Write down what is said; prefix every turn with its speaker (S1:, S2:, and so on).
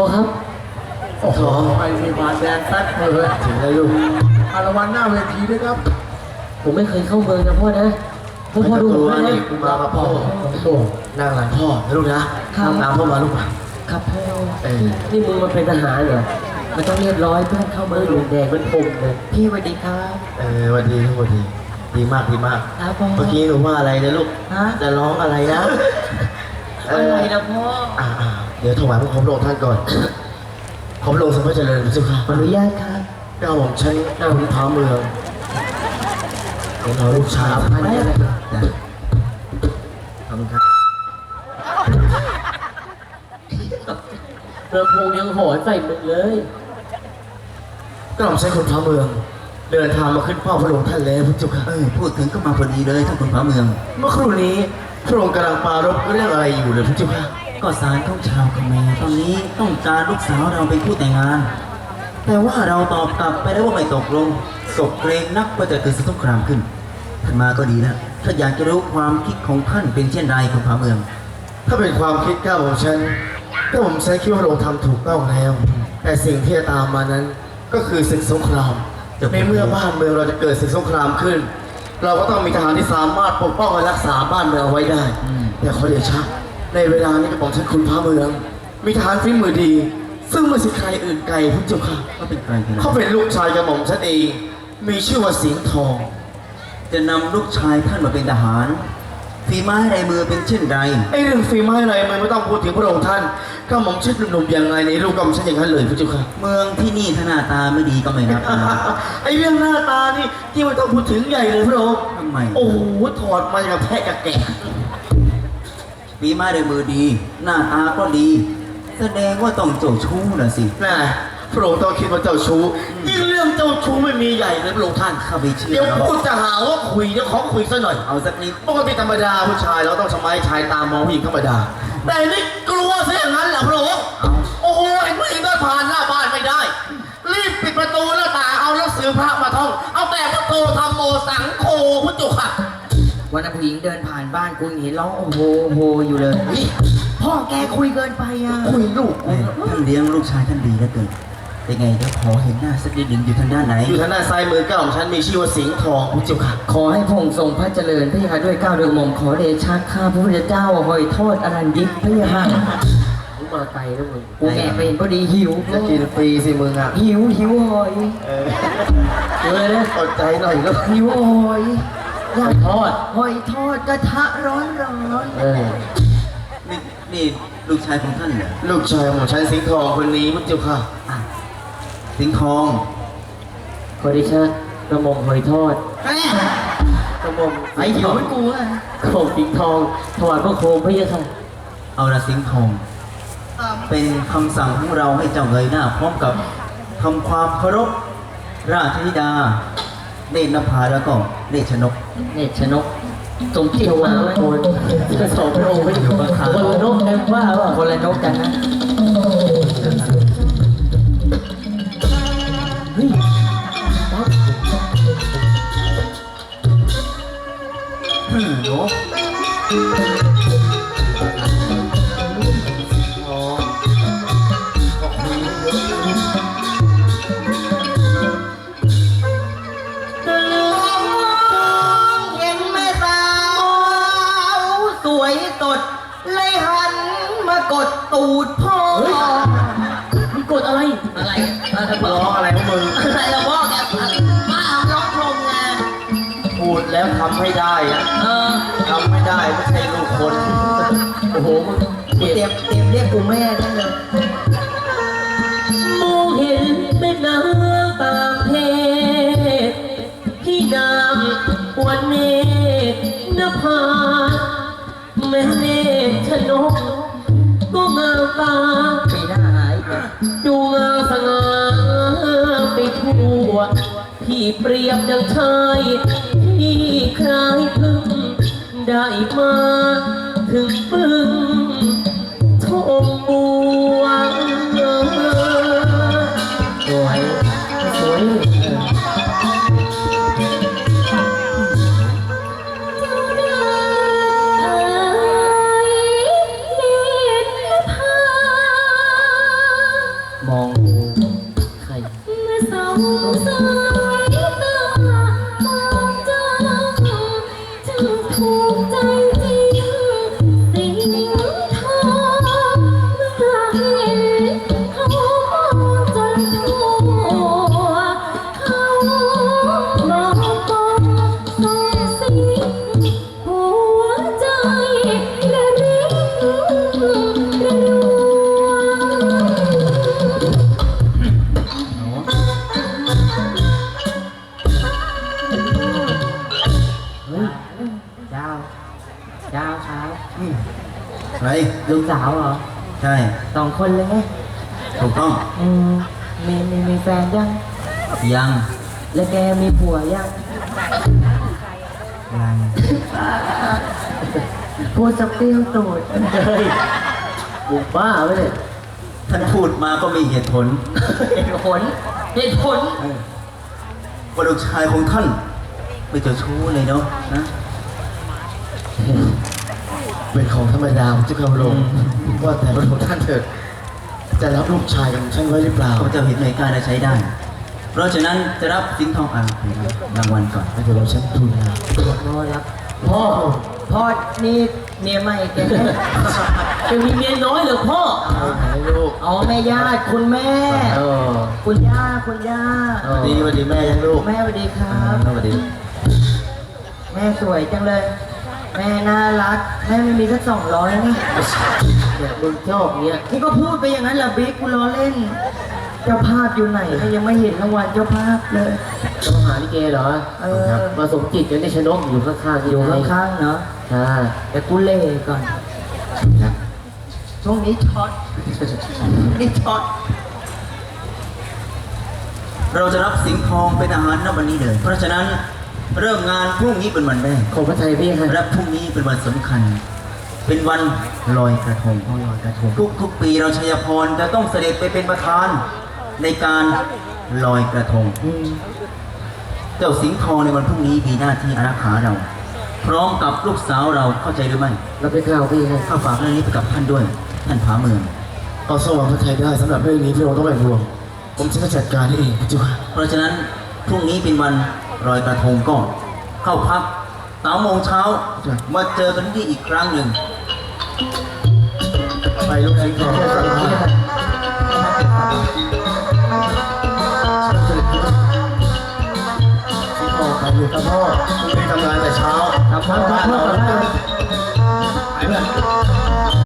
S1: พ่อครับ
S2: โอ้โหไปมีบาดแดงแป๊ดเลยถึงเลยลูกอารวันหน้าเวทีด้วยครับ
S1: ผมไม่เคยเข้าเมืองนะพ่อนะพ่อดูผมนะ
S2: กูมากับพ่อตัวนั่งหลังพ่อนะลูกนะน้ำพ่อมาลูก
S1: ครับพ่อนี่มึงมาเป็นทหารเหรอมันต้องเรียบร้อยเพื่อนเข้าเมืองหลวงแดงเป็นผมเลยพี่สวัสดีครับ
S2: สวัสดีสวัสดีดีมากดีมากเมื่อกี้หนูว่าอะไรนะลูกจะร้องอะไรนะ
S1: อะไรนะพ่อ
S2: เดี๋ยวถวายพระพรหมลงท่านก่อนขอพระองค์ทรงพระเจริญสุขะ
S1: อนุญาตครับ
S2: เจ้าผมฉันเจ้าคุณท้าเมืองเป็นเราลูกชาย
S1: พันธุ์
S2: ขอบคุณครับ
S1: เรือพงยังหอนใส่มึงเลย
S2: ก็ผมใช้คนท้าเมืองเดินทางมาขึ้นเฝ้าพระองค์ท่านแล้วพระเจ้าค่ะ
S3: พูดถึงก็มาพอดีเลยท่านขุนพระเมือง
S2: เมื่อครู่นี้พระองค์กำลังปรารภเรื่องอะไรอยู่เลยพระเจ้าค่ะ
S3: ก็ศาลของชาวเขมรตอนนี้ต้องการลูกสาวเราเป็นผู้แต่งงานแต่ว่าเราตอบกลับไปแล้วว่าไม่ตกลงศกเกรงนักว่าจะเกิดสงครามขึ้นท่านมาก็ดีแล้วถ้าอยากจะรู้ความคิดของท่านเป็นเช่นไรขุนพระเมือง
S2: ถ้าเป็นความคิดก้าวของฉันก็ผมใช้คิดว่าพระองค์ทำถูกต้องแล้วแต่สิ่งที่จะตามมานั้นก็คือศึกสงครามในเมื่อบ้านเมืองเราจะเกิดศึกสงครามขึ้นเราก็ต้องมีทหารที่สามารถปกป้องและรักษาบ้านเมืองไว้ได้แต่ขอเดชะในเวลานี้กระผมฉันคุณพระเมืองมีทหารฝีมือดีซึ่งไม่ใช่ใครอื่นไกลพระเจ้าค่ะ
S3: เขาเป็นใครกัน
S2: เขาเป็นลูกชายกระหม่อมฉันเองมีชื่อว่าสิงห์ทอง
S3: จะนำลูกชายท่านมาเป็นทหารฝีไม้ลายมือเป็นเช่นไร
S2: ไอ้เรื่องฝีไม้ลายมือไม่ต้องพูดถึงพระองค์ท่านกระหม่อมฉันหนุ่มๆอย่างไรในลูกกระหม่อมฉันอย่างนั้นเลยพระเจ้าค่ะ
S3: เมืองที่นี่ถ้าหน้าตาไม่ดีก็ไม่นับ
S2: ไอ้เรื่องหน้าตานี่ที่ไม่ต้องพูดถึงใหญ่เลยพระองค์
S3: ทำไม
S2: โอ้โหถอดมาจากแพะกับแกะ
S3: ฝีไม้ลายมือดีหน้าตาก็ดีแสดงว่าต้องเจ้าชู้น่ะสิ
S2: น่ะพระองค์ต้องคิดว่าเจ้าชู้ยิ่งเรื่องเจ้าชู้ไม่มีใหญ่เลยพระองค์ท่าน
S3: ข้าไปเชื่อ
S2: เดี๋ยวพูดจะหาว่าคุยเดี๋ยวขอคุยซะหน่อย
S3: เอาสักนิด
S2: ปกติธรรมดาผู้ชายเราต้องชะมัยชายตามองผู้หญิงธรรมดาแต่นี่กลัวซะอย่างนั้นแหละพระองค์โอ้โหไอ้ผู้หญิงเดินผ่านหน้าบ้านไม่ได้รีบปิดประตูหน้าต่างเอาหนังสือพระมาท่องเอาแต่พระโตธรรมโมสังโฆพุทธจุกค่ะ
S1: วันนั้นผู้หญิงเดินผ่านบ้านกูเห็นร้องโอ้โหโหอยู่เลยพ่อแกคุยเกินไปอ่ะ
S2: คุยลูก
S3: ท่านเลี้ยงลูกชายท่านดีเหลือเกินเป็นไงเดี๋ยวขอเห็นหน้าสักนิดหนึ่งอยู่ทางด้านไหน
S2: อยู่ทางด้านซ้ายมือเก้าของฉันมีชื่อว่าสิงห์ทองพุทธจุกค่ะ
S1: ขอให้พระองค์ทรงพระเจริญพระยาด้วยก้าวด้วยกระหม่อมขอเดชะข้าพระพุทธเจ้าหอยทอดอรัญญิกพระยากูมาไกลแล้วมึงกูแอบไปเห็นพอดีหิว
S2: จะกินฟรีสิมึงอ่ะ
S1: หิวหอย
S2: เลยนะอดใจหน่อยแล้ว
S1: หิวหอยหอยทอดกระทะร้อน
S3: นี่ลูกชายของท่านเหรอ
S2: ลูกชายของฉันสิงห์ทองคนนี้พุทธเจ้าค่ะ
S3: สิงห์ทอง
S1: ขอดิฉันกระหม่อมหอยทอดกระหม่อม
S3: ไอ้หิวไม่กลัว
S1: กระหม่อมสิงห์ทองถวายพระโคมพระยาค่ะ
S3: เอาละสิงห์ทองเป็นคำสั่งของเราให้เจ้าเงยหน้าพร้อมกับทำความเคารพราชธิดาเนตรนภาแล้วก็เนตรชนก
S1: สมจิตวาคนจะสองพระองค์ไม่อยู่บางครั้งคนละนกกันว่าคนละนกกันนะเฮ้ย
S3: โน้
S1: ตูดพ่อมึงกดอะไร
S2: ร้องอะไรของมึง
S1: อะไรเราบอกแกมาร้องพรมไง
S2: พูดแล้วทำไม่ได้อะทำไม่ได้ไม่ใช่ลูกคน
S1: โอ้โหมึงเตรียมเรียกกูแม่ได้เลยมองเห็นแม่น้ำต่างเพศที่นามวันเนตรนภาแม่เนตรชนกก็งามตาไม่ได้ดูงามสง่าไปทั่วที่เปรียบดังชายที่คล้ายพึ่งได้มาถึงปึงชมบัวสวยมองดูใคร
S4: เมื่อสองสายตามองเจ้าจึงถูกใจจริงสิ่งทองเมื่อเห็นเขามองจนทั่วเขาบอกปองส่งสิ่งหัวใจระริกระรัว
S1: เจ้าครับ
S3: ใคร
S1: ลูกสาวเหรอ
S3: ใช่
S1: 2 คนเลยไง
S3: ถูกต้อง
S1: มีแฟนยัง
S3: ยัง
S1: แล้วแกมีผัวยัง
S3: ยัง
S1: พูดสเปรี้ยวโตดเฮ้ยบุกบ้าไปเลย
S3: ท่านพูดมาก็มีเหตุผล
S1: เหตุผล
S3: ว่าลูกชายของท่านไม่เจ้าชู้เลยเนาะนะ
S2: เป็นของธรรมดาของเจ้าข้าพระองค์ว่าแต่พระองค์ท่านเถิดจะรับลูกชายของฉันไว้หรือเปล่า
S3: เขาจะเห็นในการและใช้ได้ เพราะฉะนั้นจะรับสินทองรางวัลก่อน
S2: เดี๋ยวเราฉันทุนนะ
S1: พ่อรับพ่อนี่เมียใหม่แกจะมีเมียน้อยเหรอพ่อ
S2: ไหนลูก
S1: อ๋อแม่ญาติคุณแม่
S2: เออ
S1: คุณย่า
S2: สวัสดีแม่ยังลูก
S1: แม่สวัสดีครับ
S2: สวัสดี
S1: แม่สวยจังเลย แม่น่ารัก แม่ไม่มีสัก200ไงเนี่ยมึงชอบเนี้ยนี่ก็พูดไปอย่างนั้นแหละบิ๊กกูล้อเล่น เจ้าภาพอยู่ไหนยังไม่เห็นรางวัลเจ้าภาพเลยจะมาหาลิเกเหรอ มาสมจิตยังได้ชนกอยู่ข้างๆอยู่ข้างๆเนาะใช่แต่กูเล่ก่อน ช่วงนี้ช็อต นี่ช็อต
S3: เราจะรับสิงห์ทองเป็นอาหารณวันนี้เลย เพราะฉะนั้นเริ่มงานพรุ่งนี้เป็นวันแรก
S1: ขอพระไทยพี่ค่ะ
S3: และพรุ่งนี้เป็นวันสำคัญ เป็นวันลอยกระทง
S1: ลอยกระทง
S3: ทุกๆปีเราชัยพรจะต้องเสด็จไปเป็นประธานในการลอยกระทง เจ้าสิงห์ทองในวันพรุ่งนี้มีหน้าที่อารักขาเรา พร้อมกับลูกสาวเราเข้าใจหรือไม่
S1: เราไปข่าวพี่ค่ะ
S3: ข้าฝากเรื่องนี้ไปกับท่านด้วย ท่านผาเมือง
S2: เอาสว่างพระไทยได้สำหรับเรื่องนี้พี่องค์ต้องเป็นห่วงผมจะจัดการให้เองพระเจ้าค่ะ
S3: เพราะฉะนั้นพรุ่งนี้เป็นวันลอยกระทงก็เข้าพัก3 โมงเช้ามาเจอกันที่อีกครั้งหนึ่ง
S2: ไปลูกสิงห์ทองสังฆาสิงห์ทองครับลูกครับพ่อไปทำงานแต่เช้า
S1: ครับพ่อ
S2: บ้านเรา
S1: ครับ
S2: ไปเพื่อน